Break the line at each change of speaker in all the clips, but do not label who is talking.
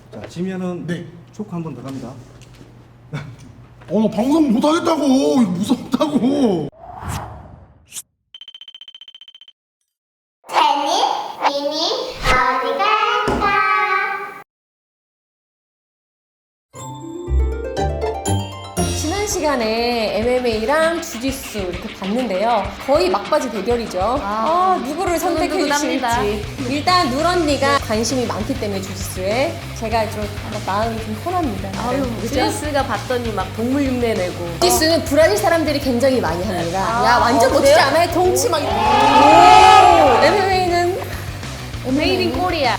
자, 지면은
네.
초크 한 번 더 갑니다.
나 방송 못 하겠다고. 이거 무섭다고.
재미, 미니, 어디 갈까?
지난 시간에 MMA랑 주짓수 이렇게 봤는데요. 거의 막바지 대결이죠. 누구를 선택해
두근두근합니다.
주실지. 일단 누 언니가 관심이 많기 때문에 주짓수에 제가 좀 마음이 좀 편합니다.
아유,
그죠?
주짓수가 봤더니 막 동물 흉내 내고.
주짓수는 브라질 사람들이 굉장히 많이 합니다. 야, 완전
그래요?
멋지지 않아요? 덩치 막. 오! MMA는
메이드 인 코리아.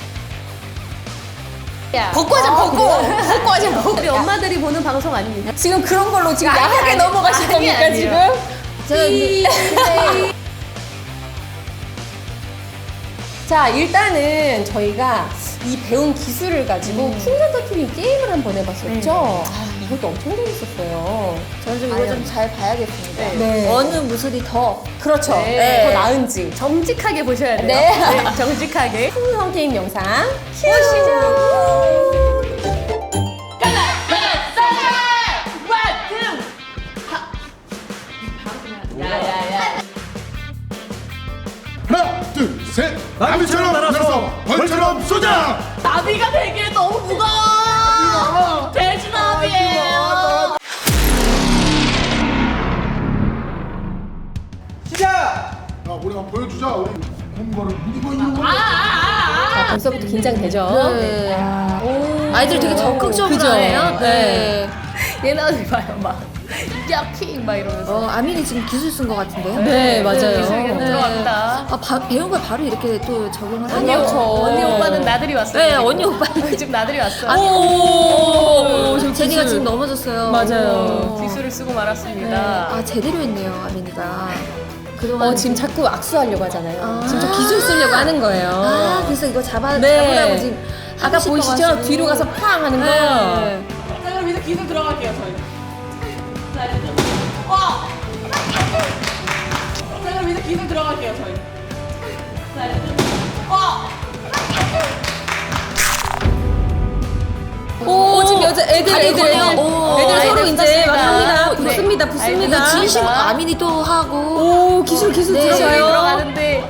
벗고하자, 벗고.
우리 엄마들이 보는 방송 아닙니까?
지금 그런 걸로 지금 야하게 넘어가실 겁니까,
아니에요.
지금? 자, 일단은 저희가 이 배운 기술을 가지고 풍선 터트리기 게임을 한번 해봤었죠? 이것도 엄청 재밌었어요.
저는 좀 이거 좀 잘 봐야겠습니다.
네.
어느 무술이 더
그렇죠.
네.
더 나은지.
정직하게 보셔야 돼요.
네.
정직하게.
풍선 게임 영상 보시죠.
하나, 둘, 셋. 나비처럼 날아서 벌처럼 쏘자.
나비가 되기에 너무 무거워. 돼지나비예요.
시작!
야, 우리 한번 보여주자. 우리 공부를 이기고 있는 거.
자, 벌써부터 긴장되죠?
네. 아이들 되게 적극적으로
그죠?
하네요. 네.
얘네들 봐요, 막. 야킹 막 이러면서.
아민이 지금 기술 쓴 것 같은데요?
네, 맞아요.
기술 계속 들어갑니다.
배운 걸 바로 이렇게 또 적용을 하네요.
그렇죠.
언니 오빠는 나들이 왔어요.
네, 언니 오빠.
지금 나들이 왔어요.
오,
제니가 지금 넘어졌어요.
맞아요.
기술을 쓰고 말았습니다.
아, 제대로 했네요, 아민이가. 그동안
지금 자꾸 악수하려고 하잖아요.
아.
지금 저 기술 쓰려고 하는 거예요.
아, 그래서 이거 잡으라고
네.
지금
아까
하고
보이시죠?
싶어가지고.
뒤로 가서 팡 하는 거.
네.
자, 그럼 이제 기술 들어갈게요, 저희. 자, 이제 좀. 자, 그럼 이제 기술 들어갈게요, 저희. 자, 이제 좀.
오, 지금 애들
다리 걸려. 오,
애들 서로
아이들
이제 막
떴습니다.
합니다.
네.
붙습니다.
이거
붙습니다.
진심
아이고.
아민이 또 하고.
오, 기술
네.
들어가요.
들어가는데.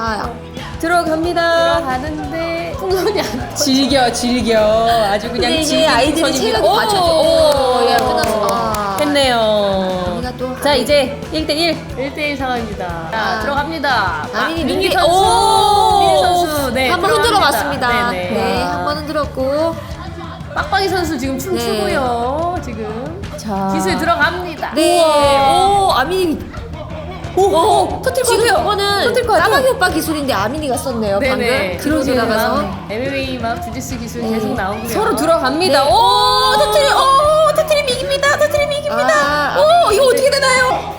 들어갑니다.
들어가는데. 풍선이 안
즐겨. 아주 그냥
근데 이게
즐기는
아이들이
선입니다.
체력이
오,
받쳐줘. 야, 끝났어. 아.
했네요.
아민이가 또.
자, 이제 1대1.
1대1 상황입니다. 자,
아.
들어갑니다.
아민이
민기
민기-
선수.
오.
민기 선수. 네.
한번 흔들어 봤습니다.
네네.
네, 한 번 흔들었고.
빡빡이 선수 지금 춤추고요. 지금.
자.
기술 들어갑니다.
네. 오, 아민이.
오, 터뜨릴 것
지금
같아요.
저거는
터뜨릴 것 같아요.
까마귀 오빠 기술인데 아민이가 썼네요.
네네.
방금. 뒤로 나가서.
MMA 막 주짓수 기술
네.
계속 나오고요.
서로 들어갑니다.
네.
오, 터트림 이깁니다. 터트림 이깁니다.
아,
오, 이거 어떻게 되나요?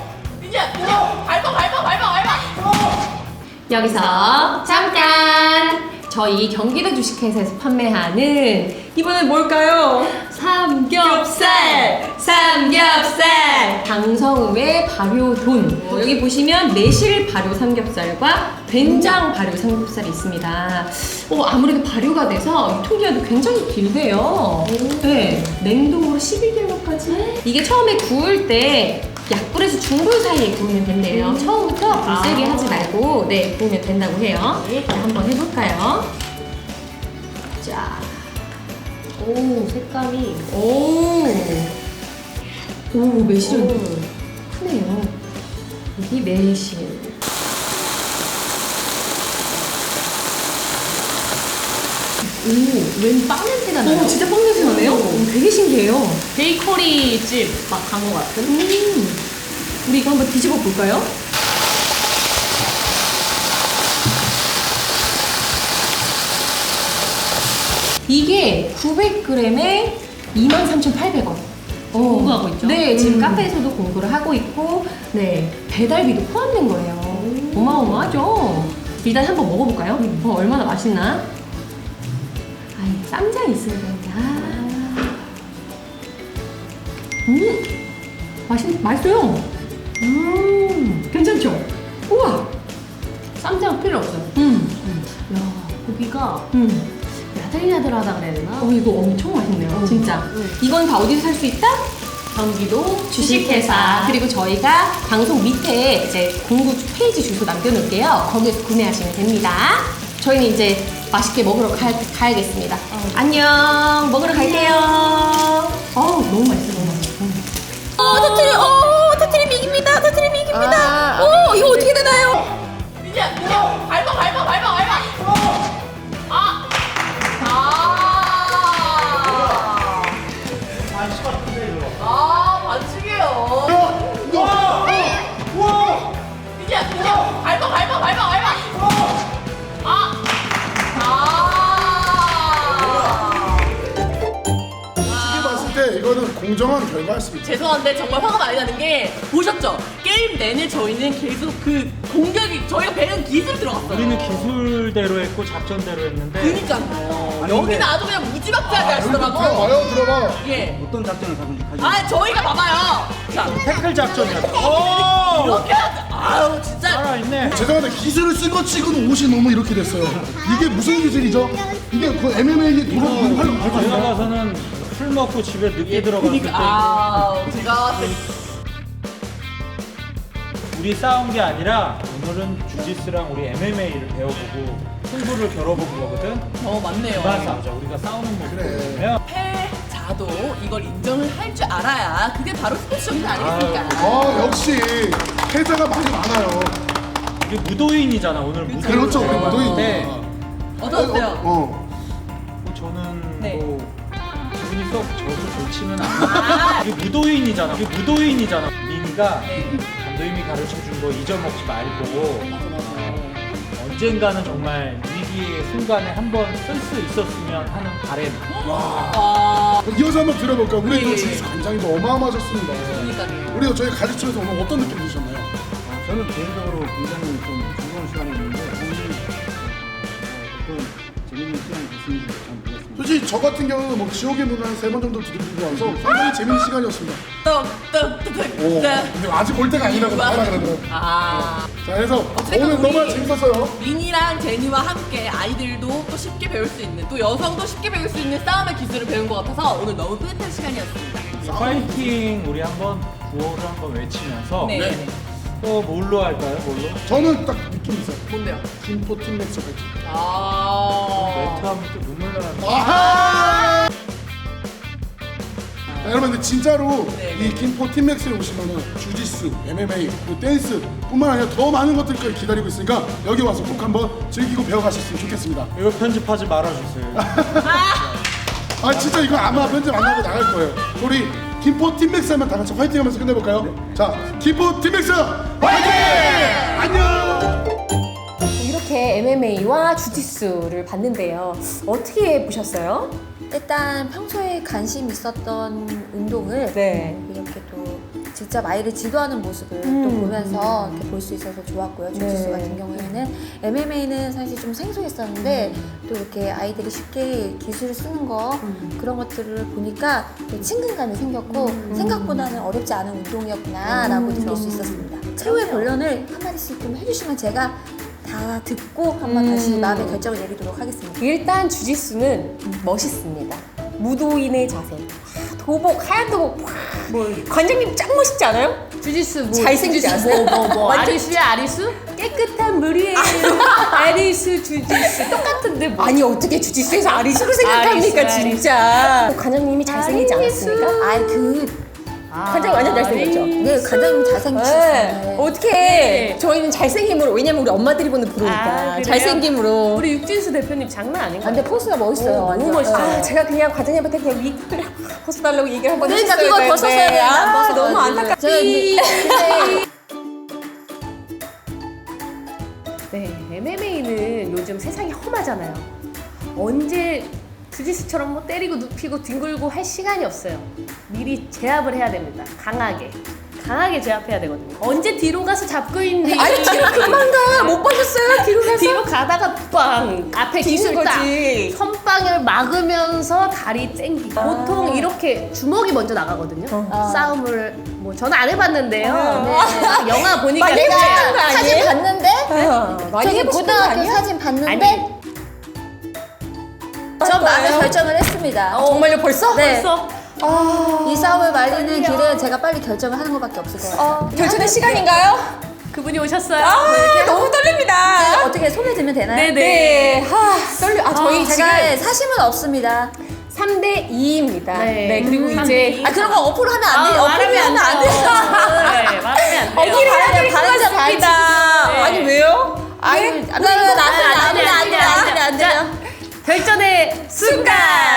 여기서 잠깐! 저희 경기도 주식회사에서 판매하는 이번엔 뭘까요? 삼겹살! 장성음의 발효돈. 여기 보시면 매실 발효 삼겹살과 된장 발효 삼겹살이 있습니다. 아무래도 발효가 돼서 유통기한도 굉장히 길대요. 네, 냉동으로 11개월까지. 이게 처음에 구울 때 약불에서 중불 사이에 구우면 된대요. 처음부터 불 세게 하지 말고 구우면 된다고 해요. 자, 한번 해볼까요? 자, 오, 색감이 오, 매실은 크네요. 여기 매실. 웬 빵 냄새가 나요? 진짜 빵 냄새 나네요? 되게 신기해요.
베이커리 집 막 간 것 같은.
우리 이거 한번 뒤집어 볼까요? 이게 900g에 23,800원.
공부하고 있죠?
네, 지금 카페에서도 공부를 하고 있고, 네, 배달비도 포함된 거예요. 어마어마하죠? 일단 한번 먹어볼까요? 얼마나 맛있나? 쌈장이 있어야 되는데, 맛있어요. 괜찮죠? 우와!
쌈장 필요 없어요.
야,
고기가
야,
카타리나 들어가다 그래야 되나?
이거 엄청 맛있네요. 진짜. 이건 다 어디서 살 수 있다? 경기도 주식회사. 그리고 저희가 방송 밑에 이제 공구 페이지 주소 남겨놓을게요. 거기에서 구매하시면 됩니다. 저희는 이제 맛있게 먹으러 가야겠습니다. 안녕. 먹으러 갈게요. 너무 맛있어, 너무 맛있어. 터트림 이깁니다. 터트림 이깁니다. 이거 어떻게 되나요?
이제 밟아. 반칙이에요. 이제 밟아.
시계 봤을 때 이거는 공정한 결과였습니다.
죄송한데 정말 화가 많이 나는 게 보셨죠? 게임 내내 저희는 계속 그 공격이 저희가 배운 기술 들어갔어요.
우리는 기술대로 했고 작전대로 했는데
그니까요. 여기는 아주 그냥 무지막지하게 하시더라고.
들어봐요, 들어봐.
예.
어떤 작전을 가지고
저희가 봐봐요. 자,
태클 작전이었어.
이렇게 아유 진짜.
살아있네.
죄송한데 기술을 쓴 것 치고는 옷이 너무 이렇게 됐어요. 이게 무슨 기술이죠? 이게 그 MMA에 들어가는
제가 가서는 술 먹고 집에 늦게 들어갔을 때
제가
우리 싸운 게 아니라 오늘은 주짓수랑 우리 MMA를 배워보고 승부를 겨뤄보고 거거든.
맞네요.
그만 싸우자. 우리가 싸우는 모습을
그래.
보면
패자도 이걸 인정을 할 줄 알아야 그게 바로 스포츠 정신 아니겠습니까?
역시 패자가 많이 많아요.
이게 무도인이잖아. 오늘 무도인.
그렇죠, 우리 무도인인데.
어떠세요?
저는
네.
뭐 기분이 썩 저도 좋지는 않아요. 이게 무도인이잖아. 민이가 감독님이 가르쳐준 거 잊어먹지 말고 언젠가는 정말 위기의 순간에 한번 쓸 수 있었으면 하는 바램.
이어서 한번 들어볼까요? 우리
예.
또 주짓수 관장님도 어마어마하셨습니다.
그러니까요.
우리가 저희 가르치면서 오늘 어떤 느낌 드셨나요?
저는 개인적으로 굉장히 좀 즐거운 시간이었는데 오늘 어떤 재밌는 시간이 됐는지 잘 모르겠습니다.
솔직히 저 같은 경우는 뭐 지옥의 문을 한 3번 정도 두드리고 와서 상당히 재밌는 시간이었습니다. 근데 아직 볼 때가 아니라고 말하라 그러더라고요. 자, 그래서 오늘 너무 재밌었어요.
민이랑 제니와 함께 아이들도 또 쉽게 배울 수 있는 또 여성도 쉽게 배울 수 있는 싸움의 기술을 배운 것 같아서 오늘 너무 뿌듯한 시간이었습니다.
파이팅 우리 한번 구호를 한번 외치면서
네.
또 뭘로 할까요? 뭘로?
저는 딱 느낌이 있어요.
뭔데요?
김포 팀맥스 파이팅.
매트 하면 또 눈물 나는데.
아하! 자, 여러분들 진짜로
네,
이 김포 팀맥스에 오시면은 주짓수, MMA, 그리고 댄스 뿐만 아니라 더 많은 것들까지 기다리고 있으니까 여기 와서 꼭 한번 즐기고 배워가셨으면 좋겠습니다.
이거 편집하지 말아주세요.
진짜 이거 아마 편집 안 나고 나갈 거예요. 우리 김포 팀맥스 하면 다 같이 화이팅 하면서 끝내볼까요? 자, 김포 팀맥스 화이팅! 안녕!
이렇게 MMA와 주짓수를 봤는데요. 어떻게 보셨어요?
일단 평소에 관심 있었던 운동을
네.
이렇게 또 직접 아이를 지도하는 모습을 또 보면서 이렇게 볼 수 있어서 좋았고요. 주짓수
네.
같은 경우에는 MMA는 사실 좀 생소했었는데 또 이렇게 아이들이 쉽게 기술을 쓰는 거 그런 것들을 보니까 또 친근감이 생겼고 생각보다는 어렵지 않은 운동이었구나라고 느낄 수 있었습니다. 최후의 본론을 한 마디씩 좀 해주시면 제가 다 듣고 한번 다시 마음의 결정을 내리도록 하겠습니다.
일단 주짓수는 멋있습니다. 무도인의 자세. 도복, 하얀 도복. 관장님 짱 멋있지 않아요?
주짓수
잘생기지 않아요? 완전
아리수야 아리수?
깨끗한 물이에요. 아리수, 주짓수 똑같은데 아니 어떻게 주짓수에서 아리수로 생각합니까
아리수,
진짜. 관장님이 잘생기지 않았습니까? 관장님 완전 잘생겼죠?
네, 관장님 잘생기셨어요.
어떻게 저희는 잘생김으로 왜냐면 우리 엄마들이 보는 프로니까
그래요?
잘생김으로
우리 육진수 대표님 장난 아닌 것
근데 포스가 멋있어요.
너무
완전.
멋있어요.
제가 그냥 과장님한테 그냥 위크를 벗어달라고 얘기를 한번
그러니까
했어야
그걸
되는데.
벗었어야 되는데 안 벗어가지고.
너무 안타깝다.
제가
네, MMA는 요즘 세상이 험하잖아요. 언제 주짓수처럼 뭐 때리고 눕히고 뒹굴고 할 시간이 없어요. 미리 제압을 해야 됩니다. 강하게 제압해야 되거든요. 언제 뒤로 가서 잡고 있니?
아니 뒤로 그만 가. 못 봐줬어요. 뒤로 가서.
뒤로 가다가 빵 앞에 기술 딱
거지.
선빵을 막으면서 다리 땡기기. 보통 이렇게 주먹이 먼저 나가거든요. 싸움을 뭐 저는 안 해봤는데요. 네. 영화 보니까
많이
그래요.
해보셨던 거
사진
아니에요?
봤는데
많이
저기
해보신 거
고등학교
아니야?
사진 봤는데
아니.
전 마음의 결정을 했습니다.
정말요? 벌써?
네.
벌써?
이 싸움을 말리는 길에 제가 빨리 결정을 하는 것밖에 없을 것 같아요.
결정의 시간인가요? 그분이 오셨어요. 너무 떨립니다.
어떻게 손에 들면 되나요?
네네. 떨려. 저희
제가
지금
사심은 없습니다.
3대 2입니다. 네. 그리고
삼
이제
대 이. 그런 거 어플로 하면 안 돼요.
말하면
어플로 하면 안 돼요.
네, 말하면 안 돼요.
어플로 하면 반자 반자.
아니 왜요?
아니, 안 돼요.
결전의 순간.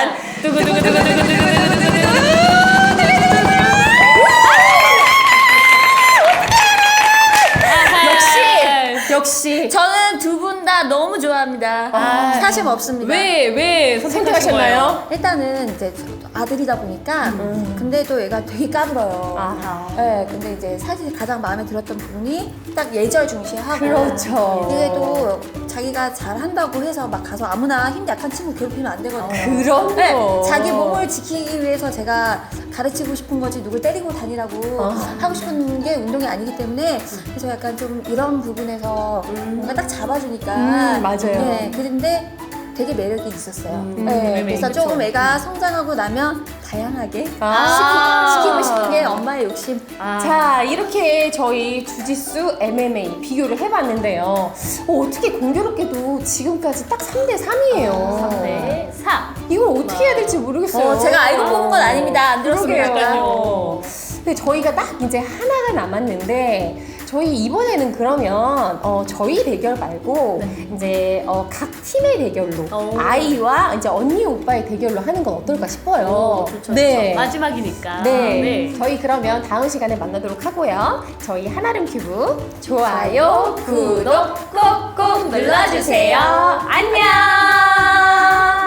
역시
저는 두 분 다 너무 좋아합니다. 사심 없습니다.
왜 선택하셨나요?
일단은 이제 아들이다 보니까 근데 또 얘가 되게 까불어요. 네, 근데 이제 사실 가장 마음에 들었던 부분이 딱 예절 중시하고
그렇죠.
이게 또 자기가 잘한다고 해서 막 가서 아무나 힘 약한 친구 괴롭히면 안 되거든요.
그럼요.
네, 자기 몸을 지키기 위해서 제가 가르치고 싶은 거지 누굴 때리고 다니라고 하고 싶은 게 운동이 아니기 때문에 그래서 약간 좀 이런 부분에서 뭔가 딱 잡아주니까
맞아요.
네, 그런데 되게 매력이 있었어요. 네, 그래서
그쵸.
조금 애가 성장하고 나면 다양하게
아.
시키고 싶은 게 엄마의 욕심.
자, 이렇게 저희 주짓수, MMA 비교를 해봤는데요. 어떻게 공교롭게도 지금까지 딱 3대 3이에요.
3대 4.
이걸 어떻게 해야 될지 모르겠어요.
제가 알고 뽑은 건 아닙니다. 안 들었습니다.
그러게요. 근데 저희가 딱 이제 하나가 남았는데 저희 이번에는 그러면 저희 대결 말고 이제 각 팀의 대결로 아이와 이제 언니 오빠의 대결로 하는 건 어떨까 싶어요. 네.
마지막이니까.
네. 저희 그러면 다음 시간에 만나도록 하고요. 저희 한아름 큐브 좋아요, 구독 꾹꾹 눌러주세요. 안녕.